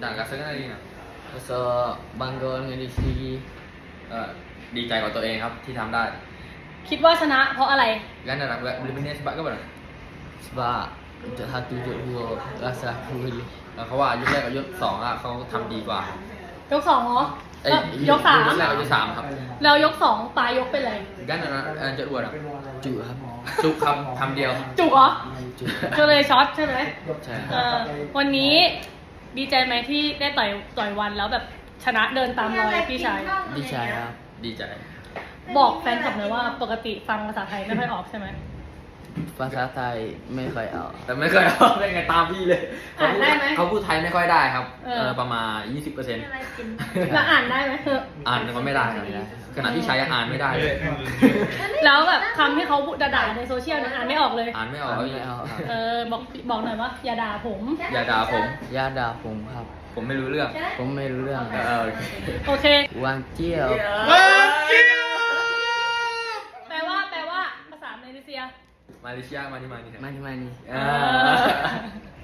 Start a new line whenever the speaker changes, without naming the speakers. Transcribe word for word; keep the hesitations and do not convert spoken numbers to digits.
ด่ากาเซกันอะไรนะ
rasa bangga dengan diri sendiri
เออดีใจกับตัวเองครับที่ทำได้
คิดว่าชนะเพราะอะไร
กันนะแบบบริเวณนี้สบายก็แบบ
sebab untuk satu untuk dua rasa aku boleh
เขาว่ายกแรกกับยกสองอ่ะเขาทำดีกว่า
ยกสองเหรอ
เอ้ย
ยกสาม
ยกแรกกับยกสามครับ
แล้วยกสองปลายยกเป็นไร
กันนะเออจะอวดอ่ะ
juk ครับ
จุกครับคำเดียว
จุกเหรอ
juk
ก็เลยช็อตใช่ไหม
ใช่
เออวันนี้ดีใจไหมที่ได้ต่อยต่อยวันแล้วแบบชนะเดินตามรอยพี่ชาย
ดีใจครับ
ดีใจ
บอกแฟนคลับหน่อยว่าปกติฟังภาษาไทยไม่ค่อยออกใช่ไหม
ภาษาไทยไม่ค่อยเอา
แต่ไม่เคยเอาได้ไงตามพี่เลย
อ่านได้ไหม
เขาพูดไทยไม่ค่อยได้ครับ
เออ
เออประมาณยี่สิบเปอร์เซ็นต์
แล้วอ่านได้ไหม
อ่านก็ไม่ได้ครับขณะที่ใช้ยังอ่านไม่ได้เลย
แล้วแบบคำที่เขาด่าๆในโซเชียลนะอ่านไม่ออกเลย
อ่านไม่ออก
อ่านไม่ออกครับ
เออบอกบอกหน่อยว่าอย่าด่าผม
อย่าด่าผม
อย่าด่าผมครับ
ผมไม่รู้เรื่อง
ผมไม่รู้เรื่อง
เออโอเค
โอเค
วางเจี้ยว
แปลว่าแปลว่าภาษามาเลเซีย
มาเลเซียมานี่มานี่
มานี่มานี่
อ่า